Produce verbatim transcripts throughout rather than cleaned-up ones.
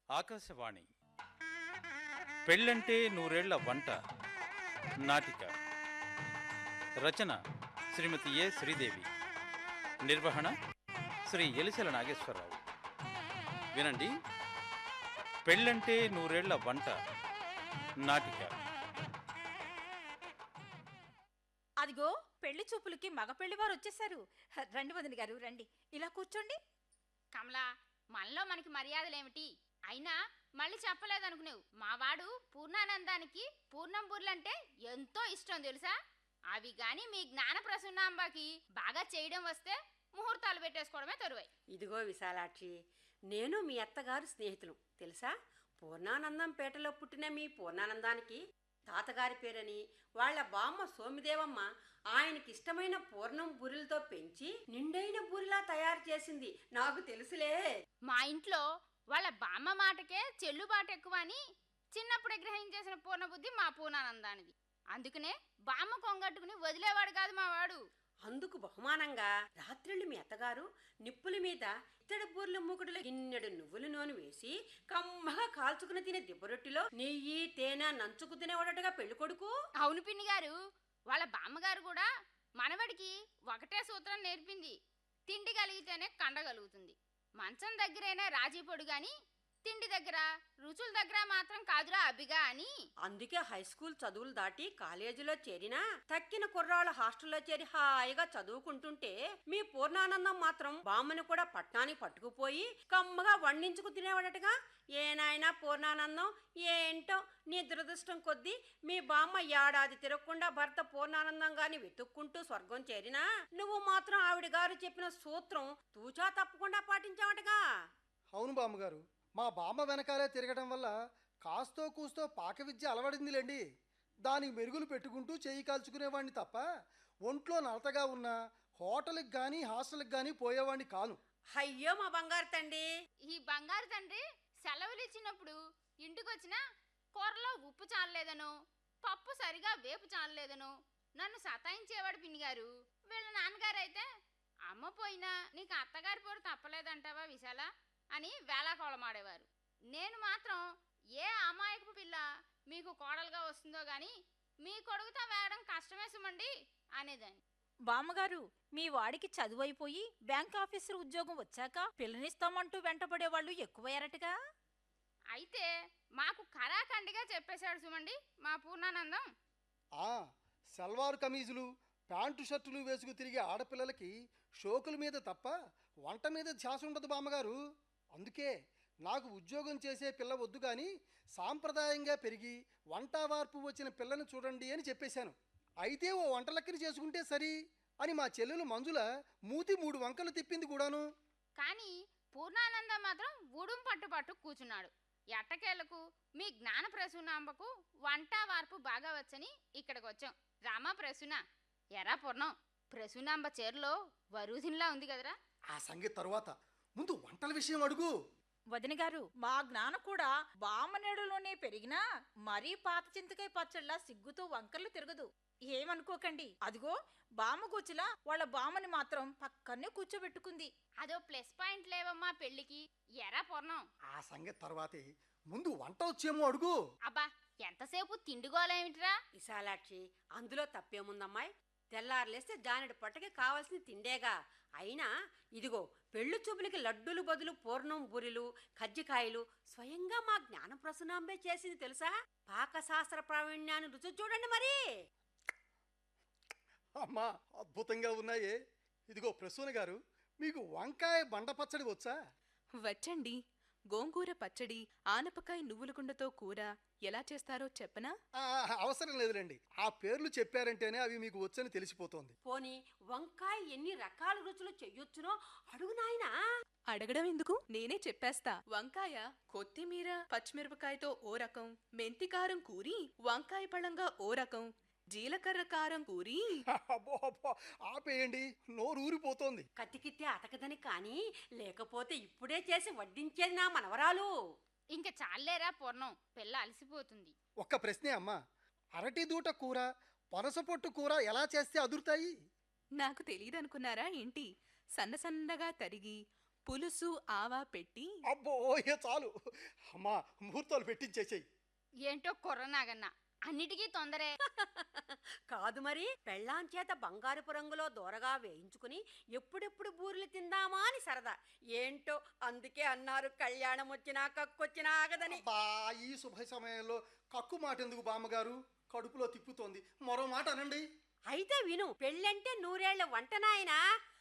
ఆకాశవాణి పెళ్ళంటే నూరేళ్ల వంట నాటిక రచన శ్రీమతి ఏ శ్రీదేవి, నిర్వహణ శ్రీ ఎలిసెల నాగేశ్వరరావు. వినండి, పెళ్ళంటే నూరేళ్ల వంట నాటిక. అదిగో పెళ్లి చూపులకి మగ పెళ్లివారు వచ్చేసారు. రండి వదిన గారు, రండి, ఇలా కూర్చోండి. కమలా, మనలో మనకి మర్యాదలేమిటి? అయినా మళ్ళీ చెప్పలేదనుకునేవు, మావాడు పూర్ణానందానికి పూర్ణం బుర్లంటే ఎంతో ఇష్టం తెలుసా. అవి గాని మీ జ్ఞాన ప్రసన్నాంబకి బాగా చేయడం వస్తే ముహూర్తాలు పెట్టేసుకోవడమే తరువాయి. ఇదిగో విశాలాక్షి, నేను మీ అత్తగారు స్నేహితులు తెలుసా. పూర్ణానందం పేటలో పుట్టిన మీ పూర్ణానందానికి తాతగారి పేరని వాళ్ళ బామ్మ సోమిదేవమ్మ ఆయనకి ఇష్టమైన పూర్ణం బూరెలతో పెంచి నిండైన బూరిలా తయారు చేసింది, నాకు తెలుసులే. మా ఇంట్లో వాళ్ళ బామ్మ మాటకే చెల్లుబాటు ఎక్కువ అని చిన్నప్పుడే గ్రహించేసిన పూర్ణబుద్ధి మా పూర్ణానందానిది. అందుకనే బామ్మ కొంగట్టుకుని వదిలేవాడు కాదు మా వాడు. అందుకు బహుమానంగా రాత్రిళ్ళు మీ అత్తగారు నిప్పుల మీద ఇత్తడి బూర్ల మూకుడులో గిన్నెడు నువ్వుల నూనె వేసి కమ్మగా కాల్చుకుని తినే దిబ్బరొట్టిలో నెయ్యి తేనె నంచుకు తినేవాడటగా పెళ్లి కొడుకు. అవును పిన్ని గారు, వాళ్ళ బామ్మగారు కూడా మనవడికి ఒకటే సూత్రం నేర్పింది, తిండి కలిగితేనే కండగలుగుతుంది. మంచం దగ్గరైనా రాజీ పొడు గాని తిండి దగ్గర రుచుల దగ్గర మాత్రం కాదురా అబ్బిగా అని. అందుకే హై స్కూల్ చదువులు దాటి కాలేజీలో చేరినా తక్కిన కుర్రాళ్ళ హాస్టల్లో చేరి హాయిగా చదువుకుంటుంటే మీ పూర్ణానందం మాత్రం బామ్మని కూడా పట్నానికి పట్టుకుపోయి కమ్మగా వండించుకు తినేవాడటగా. ఏనాయనా పూర్ణానందం, ఏంటో నీ దురదృష్టం కొద్దీ మీ బామ్మ ఏడాది తిరగకుండా భర్త పూర్ణానందం గాని వెతుక్కుంటూ స్వర్గం చేరినా నువ్వు మాత్రం ఆవిడ గారు చెప్పిన సూత్రం తూచా తప్పకుండా పాటించావటగా. అవును బామ్మగారు, మా బామ్మ వెనకాలే తిరగడం వల్ల కాస్తో కూస్తో పాక విద్య అలవడిందిలేండి. దానికి మెరుగులు పెట్టుకుంటూ చేయి కాల్చుకునేవాడిని తప్ప ఒంట్లో నలతగా ఉన్న హోటల్కి కానీ హాస్టల్కి కానీ పోయేవాడిని కాను. అయ్యో మా బంగారు తండ్రి. ఈ బంగారు తండ్రి సెలవులు ఇచ్చినప్పుడు ఇంటికొచ్చినా కూరలో ఉప్పు చాలలేదనో పప్పు సరిగా వేపు చాలలేదనో నన్ను సతాయించేవాడు పిన్ని గారు. వీళ్ళ నాన్నగారు అయితే అమ్మ పోయినా నీకు అత్తగారి పోరు తప్పలేదంటావా విశాల అని వేళాకోళమాడేవారు. నేను మాత్రం ఏ అమాయకపు పిల్ల మీకు కోడలుగా వస్తుందో గాని మీ కొడుకుతో వేయడం కష్టమే సుమండి అనేదాన్ని. బామ్మగారు, మీ వాడికి చదువు అయిపోయి బ్యాంక్ ఆఫీసర్ ఉద్యోగం వచ్చాక పిల్లనిస్తామంటూ వెంటపడేవాళ్ళు ఎక్కువయ్యారటగా. అయితే మాకు కరాఖండిగా చెప్పేశాడు సుమండి మా పూర్ణానందం. ఆ సల్వార్ కమీజులు ప్యాంటు షర్టులు వేసుకు తిరిగే ఆడపిల్లలకి షోకుల మీద తప్ప వంట మీద ధ్యాస ఉండదు బామ్మగారు. అందుకే నాకు ఉద్యోగం చేసే పిల్ల వద్దు కానీ సాంప్రదాయంగా పెరిగి వంట వార్పు వచ్చిన పిల్లని చూడండి అని చెప్పేశాను. అయితే ఓ వంటలక్కని చేసుకుంటే సరి అని మా చెల్లెలు మంజుల మూతి మూడు వంకలు తిప్పింది కూడాను. కానీ పూర్ణానందం మాత్రం ఊడుం పట్టు పట్టు కూర్చున్నాడు. ఎట్టకేళ్లకు మీ జ్ఞాన ప్రసూనాంబకు వంట వార్పు బాగా వచ్చని ఇక్కడికి వచ్చాం. రామా ప్రసూన, ఎరా పూర్ణం, ప్రసూనాంబ చీరలో వరూధిన్లా ఉంది కదరా. ఆ సంగతి తరువాత ముందు వంటల విషయం అడుగు. వదిన గారు, మా జ్ఞాన కూడా బామ్మనేడులోనే పెరిగినా మరీ పాత చింతకాయ పచ్చళ్ళ సిగ్గుతో వంకర్లు తిరగదు. ఏమనుకోకండి, అదిగో బామ్మ కూర్చులా వాళ్ళ బామ్మని మాత్రం పక్కనే కూర్చోబెట్టుకుంది. అదో ప్లస్ పాయింట్ లేవమ్మా పెళ్లికి. ఎరా పూర్ణం, ఆ సంగతి తర్వాతే ముందు వంట వచ్చేమో అడుగు. అబ్బా ఎంతసేపు తిండిగోలేమిట్రా. విశాలాక్షి, అందులో తప్పేముందమ్మాయి? తెల్లారులేస్తే జానెడు పట్టకి కావాల్సిన తిండేగా. అయినా ఇదిగో పెళ్లి చూపులకి లడ్డూలు బదులు పూర్ణం బూరెలు కజ్జికాయలు స్వయంగా మా జ్ఞాన ప్రసన్నాంబే చేసింది తెలుసా. పాకశాస్త్ర ప్రావీణ్యాన్ని రుచి చూడండి మరి. అమ్మా అద్భుతంగా ఉన్నాయే. ఇదిగో ప్రసూన గారు, మీకు వంకాయ బండ పచ్చడి వచ్చా? వచ్చండి. గోంగూర పచ్చడి, ఆనపకాయ నువ్వుల గుండతో కూర ఎలా చేస్తారో చెప్పనా? ఆ, అవసరం లేదులేండి, ఆ పేర్లు చెప్పారంటేనే అవి మీకు వచ్చని తెలిసిపోతోంది. పోనీ వంకాయ ఎన్ని రకాల రుచులు చెయ్యొచ్చునో అడుగు నాయనా. అడగడం ఎందుకు, నేనే చెప్పేస్తా. వంకాయ కొత్తిమీర పచ్చిమిరపకాయతో ఓ రకం, మెంతికారం కూరి వంకాయ పళ్ళంగా ఓ రకం, జీలకర్ర కారం కూరి. అబ్బో అబ్బో ఆపేయండి, నోరు ఊరిపోతోంది. కతికితే అతకదని కానీ లేకపోతే ఇప్పుడే చేసి వడ్డించేది నా మనవరాలు. ఇంక చాలేరా పూర్ణం, పిల్ల అలసిపోతుంది. ఒక్క ప్రశ్నే అమ్మా, అరటి దూట కూర పనసపొట్టు కూర ఎలా చేస్తే అదురుతాయి? నాకు తెలియదనుకున్నారా ఏంటి? సన్న సన్నగా తరిగి పులుసు ఆవా పెట్టి అబ్బో ఏ చాలు అమ్మా, ముహూర్తాలు పెట్టించేసేయి. ఏంటో కుర్రనాగన్న అన్నిటికీ తొందరే. కాదు మరి, పెళ్ళాం చేత బంగారపు రంగులో దూరగా వేయించుకుని ఎప్పుడెప్పుడు బూరెలు తిందామా అని సరదా. ఏంటో అందుకే అన్నారు కళ్యాణం వచ్చినా కక్కొచ్చినా ఆగదని. బా ఈ శుభ సమయంలో కక్కు మాట ఎందుకు బామ్మగారు? కడుపులో తిప్పుతోంది, మరో మాట అనండి. అయితే విను, పెళ్ళంటే నూరేళ్ల వంట నాయనా.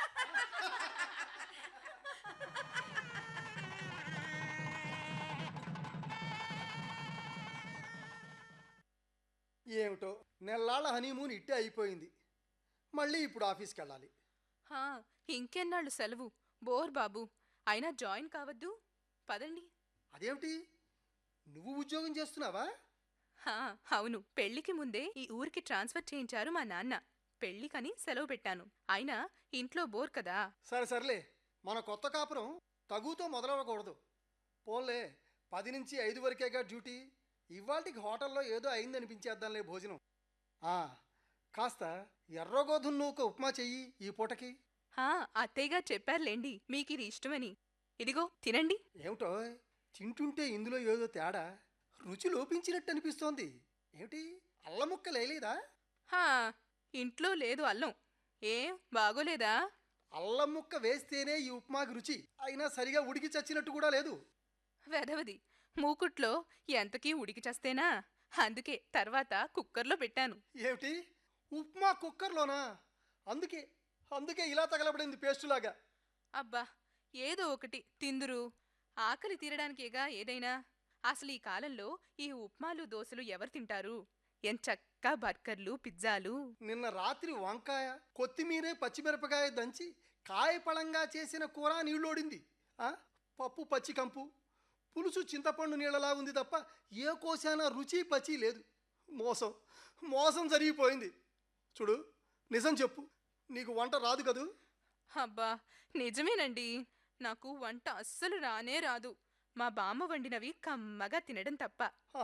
ఏమిటో నెల్లాళ్ళ హనీమూన్ ఇట్టే అయిపోయింది. మళ్ళీ ఇప్పుడు ఆఫీస్కి వెళ్ళాలి. హా, ఇంకెన్నాళ్ళు సెలవు? బోర్ బాబు. అయినా జాయిన్ కావద్దు? పదండి. అదేమిటి, నువ్వు ఉద్యోగం చేస్తున్నావా? హా, అవును. పెళ్లికి ముందే ఈ ఊరికి ట్రాన్స్ఫర్ చేయించారు మా నాన్న. పెళ్లికని సెలవు పెట్టాను. అయినా ఇంట్లో బోర్ కదా. సరే సర్లే, మన కొత్త కాపురం తగుతో మొదలవ్వకూడదు. పోన్లే, పది నుంచి ఐదు వరకేగా డ్యూటీ. ఇవాళకి హోటల్లో ఏదో అయిందనిపించేద్దాంలే భోజనం. ఆ, కాస్త ఎర్రగోధుమ నూక ఉప్మా చెయ్యి ఈ పూటకి. హా, అత్తయ్యగా చెప్పారులేండి మీకిది ఇష్టమని. ఇదిగో తినండి. ఏమిటో తింటుంటే ఇందులో ఏదో తేడా, రుచి లోపించినట్టు అనిపిస్తోంది. ఏమిటి, అల్లం ముక్క లేలేదా? హా, ఇంట్లో లేదు అల్లం. ఏం బాగోలేదా? అల్లం ముక్క వేస్తేనే ఈ ఉప్మాకి రుచి. అయినా సరిగా ఉడికి చచ్చినట్టు కూడా లేదు. వెధవది, మూకుట్లో ఎంతకీ ఉడికి చస్తేనా? అందుకే తర్వాత కుక్కర్లో పెట్టాను. ఏమిటి, ఉప్మా కుక్కర్లోనా? అందుకే అందుకే ఇలా తగలబడింది పేస్టులాగా. అబ్బా, ఏదో ఒకటి తిందురు. ఆకలి తీరడానికేగా ఏదైనా. అసలు ఈ కాలంలో ఈ ఉప్మాలు దోశలు ఎవరు తింటారు? ఎంచక్కా బర్గర్లు, పిజ్జాలు. నిన్న రాత్రి వంకాయ, కొత్తిమీరే, పచ్చిమిరపకాయ దంచి కాయపళంగా చేసిన కూర నీళ్ళోడింది. ఆ, పప్పు పచ్చికంపు, పులుసు చింతపండు నీళ్ళలా ఉంది తప్ప ఏ కోసానా రుచి పచి లేదు. మోసం మోసం జరిగిపోయింది. చూడు, నిజం చెప్పు, నీకు వంట రాదు కదూ? అబ్బా, నిజమేనండి. నాకు వంట అస్సలు రానే రాదు. మా బామ్మ వండినవి కమ్మగా తినడం తప్ప. ఆ,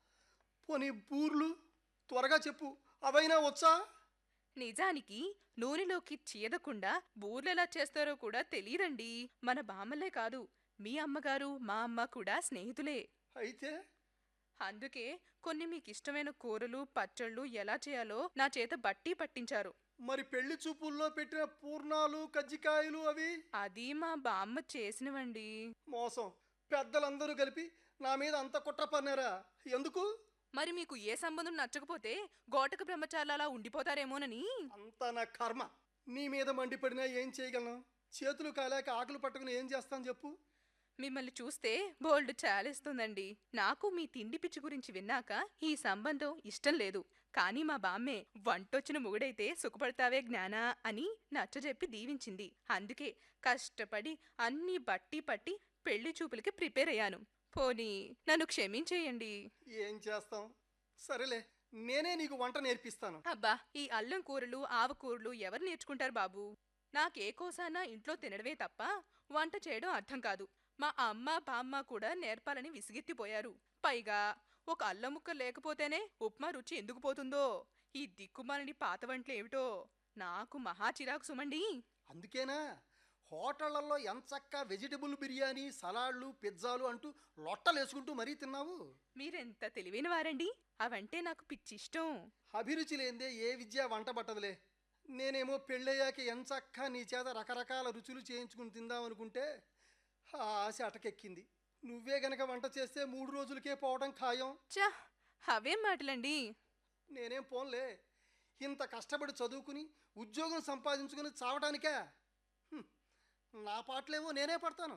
పోనీ బూర్లు త్వరగా చెప్పు, అవైనా వచ్చా? నిజానికి నూనెలోకి చీదకుండా బూర్లెలా చేస్తారో కూడా తెలీదండి. మన బామ్మలే కాదు, మీ అమ్మగారు మా అమ్మ కూడా స్నేహితులే. అయితే అందుకే కొన్ని మీకిష్టమైన కూరలు, పచ్చళ్ళు ఎలా చేయాలో నా చేత బట్టి పట్టించారు. మరి పెళ్లి చూపుల్లో పెట్టిన పూర్ణాలు, కజ్జికాయలు అవి? అది మా బామ్మ చేసినవండి. మోసం. పెద్దలందరూ కలిపి నా మీద అంత కుట్ర పన్నారా? ఎందుకు? మరి మీకు ఏ సంబంధం నచ్చకపోతే గోటక బ్రహ్మచారులలా ఉండిపోతారేమోనని. అంతా నా కర్మ. నీ మీద మండిపడినా ఏం చేయగలను? చేతులు కాలేక ఆకులు పట్టుకుని ఏం చేస్తాను చెప్పు? మిమ్మల్ని చూస్తే బోల్డ్ చాలేస్తుందండి. నాకు మీ తిండి పిచ్చి గురించి విన్నాక ఈ సంబంధం ఇష్టం లేదు. కానీ మా బామ్మే వంటొచ్చిన మొగుడైతే సుఖపడతావే జ్ఞానా అని నచ్చజెప్పి దీవించింది. అందుకే కష్టపడి అన్నీ బట్టి పట్టి పెళ్లి చూపులకి ప్రిపేర్ అయ్యాను. పోనీ నన్ను క్షమించేయండి. ఏం చేస్తాం, సరేలే, నేనే నీకు వంట నేర్పిస్తాను. అబ్బా, ఈ అల్లం కూరలు, ఆవకూరలు ఎవరు నేర్చుకుంటారు బాబు? నాకే కోసానా ఇంట్లో తినడమే తప్ప వంట చేయడం అర్థం కాదు. మా అమ్మ బామ్మ కూడా నేర్పాలని విసిగెత్తిపోయారు. పైగా ఒక అల్లం ముక్క లేకపోతేనే ఉప్మా రుచి ఎందుకు పోతుందో? ఈ దిక్కుమాలని పాత వంటలు ఏమిటో నాకు మహా చిరాకు సుమండి. అందుకేనా హోటళ్లలో ఎంచక్కా వెజిటబుల్ బిర్యానీ, సలాడ్లు, పిజ్జాలు అంటూ లొట్టలేసుకుంటూ మరీ తిన్నావు? మీరెంత తెలివైన వారండి. అవంటే నాకు పిచ్చిష్టం. అభిరుచి లేందే ఏ విద్య వంట పట్టదులే. నేనేమో పెళ్ళయ్యాక ఎంచక్కా నీ చేత రకరకాల రుచులు చేయించుకుని తిందామనుకుంటే ఆ ఆశ అటకెక్కింది. నువ్వే గనక వంట చేస్తే మూడు రోజులకే పోవడం ఖాయం. చా, అవేం మాటలండి. నేనేం పోన్లే, ఇంత కష్టపడి చదువుకుని ఉద్యోగం సంపాదించుకుని చావటానికా? హ్మ్, నా పాటలేమో నేనే పడతాను.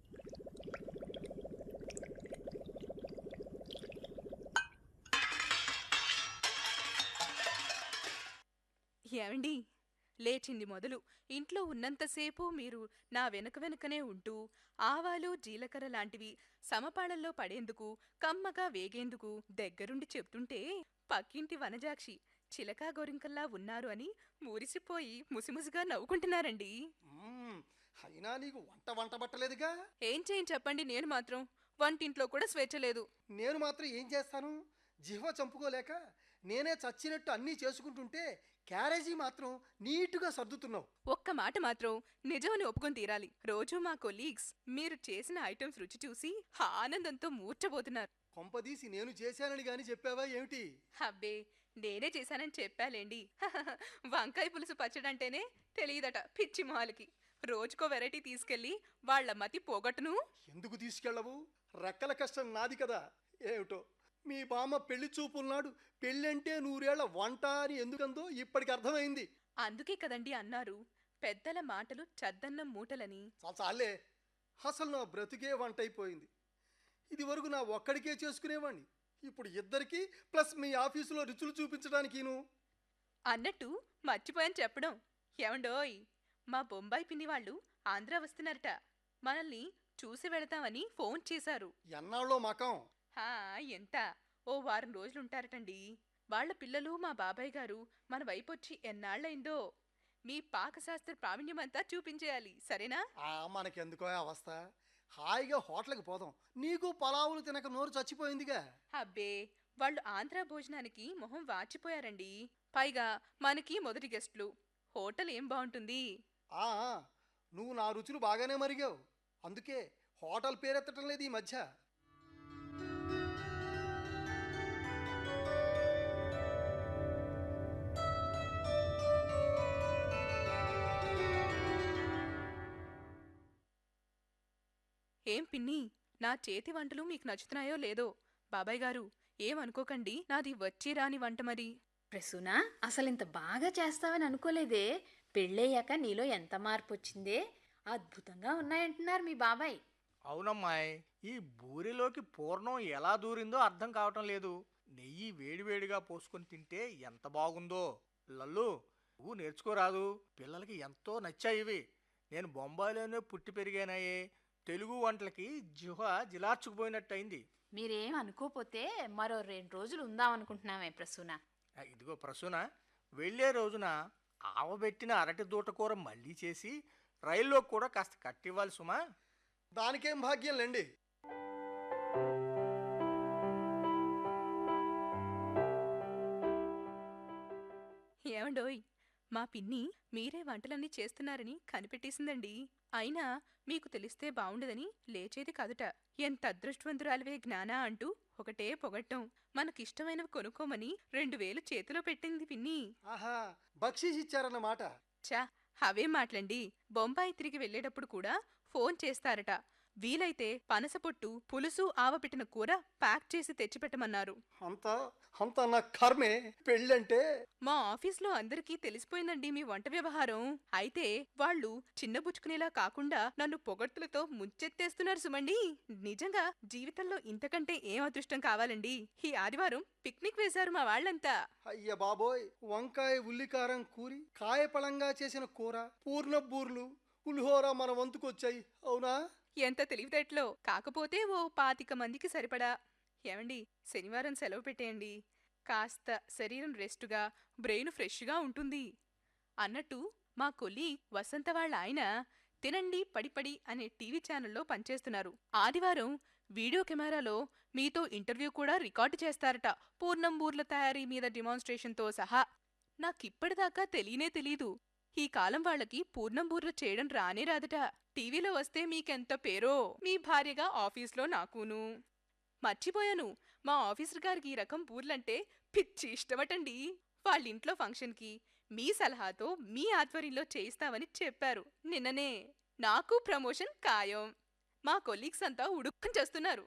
ఏమండి, లేచింది మొదలు ఇంట్లో ఉన్నంతసేపు మీరు నా వెనక వెనుకనే ఉంటూ ఆవాలు, జీలకర్ర లాంటివి సమపాళల్లో పడేందుకు, కమ్మగా వేగేందుకు దగ్గరుండి చెప్తుంటే పక్కింటి వనజాక్షి చిలకా గోరింకల్లా ఉన్నారు అని మురిసిపోయి ముసిముసిగా నవ్వుకుంటున్నారండి. మ్మ్, అయినా నీకు వంట వంట పట్టలేదుగా. ఏం చేయని చెప్పండి, నేను మాత్రం వంటింట్లో కూడా స్వేచ్ఛ లేదు. నేను మాత్రం ఏం చేస్తాను? జిహ్వ చంపుకోలేక నేనే చచ్చినట్టు అన్నీ చేసుకుంటుంటే క్యారేజీ మాత్రం నీటుగా సర్దుతున్నావు. ఒక్క మాట మాత్రం నిజమని ఒప్పుకొని తీరాలి. రోజు మా కొలీగ్స్ మీరు చేసిన ఐటమ్స్ రుచి చూసి ఆనందంతో మూర్చబోతున్నారు. కొంపదీసి నేను చేశానని గాని చెప్పావా ఏమిటి? అబ్బే, నేనే చేశానని చెప్పాలేండి. వంకాయ పులుసు పచ్చడంటేనే తెలియదట పిచ్చి మొహాలకి. రోజుకో వెరైటీ తీసుకెళ్లి వాళ్ల మతి పోగొట్టును. ఎందుకు తీసుకెళ్ళవు? రెక్కల కష్టం నాది కదా. ఏమిటో మీ బామ్మ పెళ్లి చూపున్నాడు పెళ్ళంటే నూరేళ్ల వంట అని ఎందుకందో ఇప్పటికి అర్థమైంది. అందుకే కదండి అన్నారు పెద్దల మాటలు చద్దన్నం మూటలని. చాలా చాలే, అసలు నా బ్రతుకే వంట అయిపోయింది. ఇది వరకు నా ఒక్కడికే చేసుకునేవాణ్ణి, ఇప్పుడు ఇద్దరికి ప్లస్ మీ ఆఫీసులో రుచులు చూపించడానికిను. అన్నట్టు మర్చిపోయాను చెప్పడం. ఏమండోయ్, మా బొంబాయి పిన్ని వాళ్ళు ఆంధ్ర వస్తున్నారట. మనల్ని చూసి వెళతామని ఫోన్ చేశారు. ఎన్నాళ్ళో మకం? హా, ఎంత ఓ వారం రోజులుంటారటండి. వాళ్ల పిల్లలు మా బాబాయ్ గారు మన వైపొచ్చి ఎన్నాళ్ళైందో. మీ పాకశాస్త్ర ప్రావీణ్యమంతా చూపించేయాలి, సరేనా? ఆ మనకెందుకో అవస్థ, హాయిగా హోటల్కి పోదాం. నీకు పలావులు తినక నోరు చచ్చిపోయిందిగా. అబ్బే, వాళ్ళు ఆంధ్ర భోజనానికి మొహం వాచిపోయారండి. పైగా మనకి మొదటి గెస్ట్లు. హోటల్ ఏం బాగుంటుంది. ఆ నువ్వు నా రుచులు బాగానే మరిగావు, అందుకే హోటల్ పేరెత్తటం లేదు ఈ మధ్య. ఏం పిన్ని, నా చేతి వంటలు మీకు నచ్చుతున్నాయో లేదో. బాబాయ్ గారు ఏమనుకోకండి, నాది వచ్చి రాని వంట మరి. ప్రసూనా, అసలింత బాగా చేస్తావని అనుకోలేదే. పెళ్ళయ్యాక నీలో ఎంత మార్పు వచ్చిందే. అద్భుతంగా ఉన్నాయంటున్నారు మీ బాబాయ్. అవునమ్మాయ్, ఈ బూరిలోకి పూర్ణం ఎలా దూరిందో అర్థం కావటం లేదు. నెయ్యి వేడివేడిగా పోసుకొని తింటే ఎంత బాగుందో. లల్లు, నువ్వు నేర్చుకోరాదు? పిల్లలకి ఎంతో నచ్చాయి ఇవి. నేను బొంబాయిలోనే పుట్టి పెరిగానాయే. తెలుగు వంటలకి జిహ జిలార్చుకుపోయినట్టయింది. మీరేం అనుకోపోతే మరో రెండు రోజులు ఉందామనుకుంటున్నామే ప్రసూనా. ఆ, ఇదిగో ప్రసూన, వెళ్ళే రోజున ఆవబెట్టిన అరటి దూటకూర మళ్ళీ చేసి రైల్లో కూడా కాస్త కట్టివ్వాలి సుమా. దానికేం భాగ్యం లేండి. ఏమండోయ్, మా పిన్ని మీరే వంటలన్నీ చేస్తున్నారని కనిపెట్టేసిందండి. అయినా మీకు తెలిస్తే బావుండదని లేచేది కాదుట. ఎంత అదృష్టవంతురాలివే జ్ఞానా అంటూ ఒకటే పొగట్టం. మనకిష్టమైనవి కొనుక్కోమని రెండు వేలు చేతిలో పెట్టింది పిన్ని. ఆహా, బక్షీస్ ఇచ్చారన్నమాట. చా, అవేం మాటలండి. బొంబాయి తిరిగి వెళ్లేటప్పుడు కూడా ఫోన్ చేస్తారట. వీలైతే పనసపొట్టు, పులుసు, ఆవపెట్టిన కూర ప్యాక్ చేసి తెచ్చిపెట్టమన్నారు. అంతా అంతా నా కర్మే. పెళ్ళంటే మా ఆఫీస్లో అందరికీ తెలిసిపోయిందండి మీ వంట వ్యవహారం. అయితే వాళ్ళు చిన్నబుచ్చుకునేలా కాకుండా నన్ను పొగడ్తులతో ముంచెత్తేస్తున్నారు సుమండి. నిజంగా జీవితంలో ఇంతకంటే ఏం అదృష్టం కావాలండి. ఈ ఆదివారం పిక్నిక్ వేశారు మా వాళ్ళంతా. అయ్య బాబోయ్, వంకాయ ఉల్లికారం కూరి, కాయపళంగా చేసిన కూర, పూర్ణ బూర్లు, పులిహోర మన వంతుకొచ్చాయి. అవునా? ఎంత తెలివితేటలో. కాకపోతే ఓ పాతిక మందికి సరిపడా. ఏమండి, శనివారం సెలవు పెట్టేయండి. కాస్త శరీరం రెస్టుగా, బ్రెయిన్ ఫ్రెష్గా ఉంటుంది. అన్నట్టు మా కొలీగ్ వసంత వాళ్ళ ఆయన తినండి పడిపడి అనే టీవీ ఛానల్లో పనిచేస్తున్నారు. ఆదివారం వీడియో కెమెరాలో మీతో ఇంటర్వ్యూ కూడా రికార్డు చేస్తారట, పూర్ణం బూర్ల తయారీ మీద డిమాన్స్ట్రేషన్తో సహా. నాకిప్పటిదాకా తెలియనే తెలీదు. ఈ కాలం వాళ్ళకి పూర్ణం బూర్లు చేయడం రానే రాదట. టీవీలో వస్తే మీకెంత పేరో, మీ భార్యగా ఆఫీస్లో నాకును. మర్చిపోయాను, మా ఆఫీసర్ గారికి ఈ రకం బూర్లంటే పిచ్చి ఇష్టమటండి. వాళ్ళింట్లో ఫంక్షన్కి మీ సలహాతో మీ ఆధ్వర్యంలో చేయిస్తామని చెప్పారు నిన్ననే. నాకు ప్రమోషన్ ఖాయం. మా కొలీగ్స్ అంతా ఉడుక్కుని చేస్తున్నారు.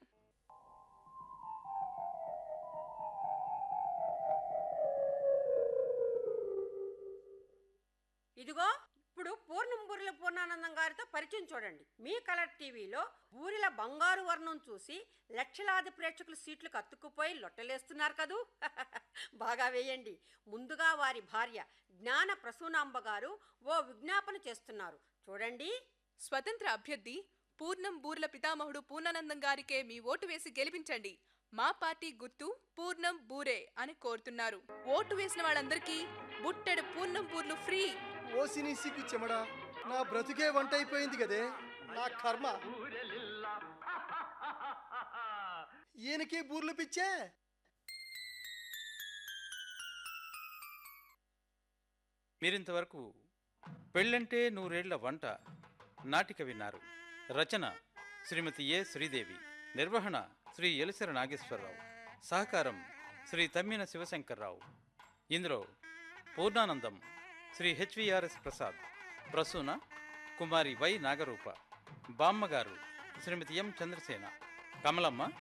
ఇదిగో ఇప్పుడు పూర్ణం బూరెల పూర్ణానందం గారితో పరిచయం చూడండి. మీ కలర్ టీవీలో బూరెల బంగారు వర్ణం చూసి లక్షలాది ప్రేక్షకులు సీట్లకు అతుక్కుపోయి లొట్టలేస్తున్నారు కదూ. బాగా వేయండి. ముందుగా వారి భార్య జ్ఞాన ప్రసూనాంబ గారు ఓ విజ్ఞాపన చేస్తున్నారు, చూడండి. స్వతంత్ర అభ్యర్థి పూర్ణం బూర్ల పితామహుడు పూర్ణానందం గారికే మీ ఓటు వేసి గెలిపించండి. మా పార్టీ గుర్తు పూర్ణం బూరే అని కోరుతున్నారు. ఓటు వేసిన వాళ్ళందరికీ బుట్టెడు పూర్ణం బూర్లు ఫ్రీ. ఓసిని సిగ్గు చెమడా, నా బ్రతుకే వంట అయిపోయింది కదే. నా కర్మ. ఈయనకి బూర్లు పిచ్చే. మీరింతవరకు పెళ్ళంటే నూరేళ్ల వంట నాటిక విన్నారు. రచన శ్రీమతి ఏ శ్రీదేవి, నిర్వహణ శ్రీ ఎలిసెర నాగేశ్వరరావు, సహకారం శ్రీ తమ్మిన శివశంకర్రావు. ఇందులో పూర్ణానందం శ్రీ హెచ్విఆర్ఎస్ ప్రసాద్, ప్రసూన కుమారి వై నాగరూప, బామ్మగారు శ్రీమతి ఎం చంద్రసేన, కమలమ్మ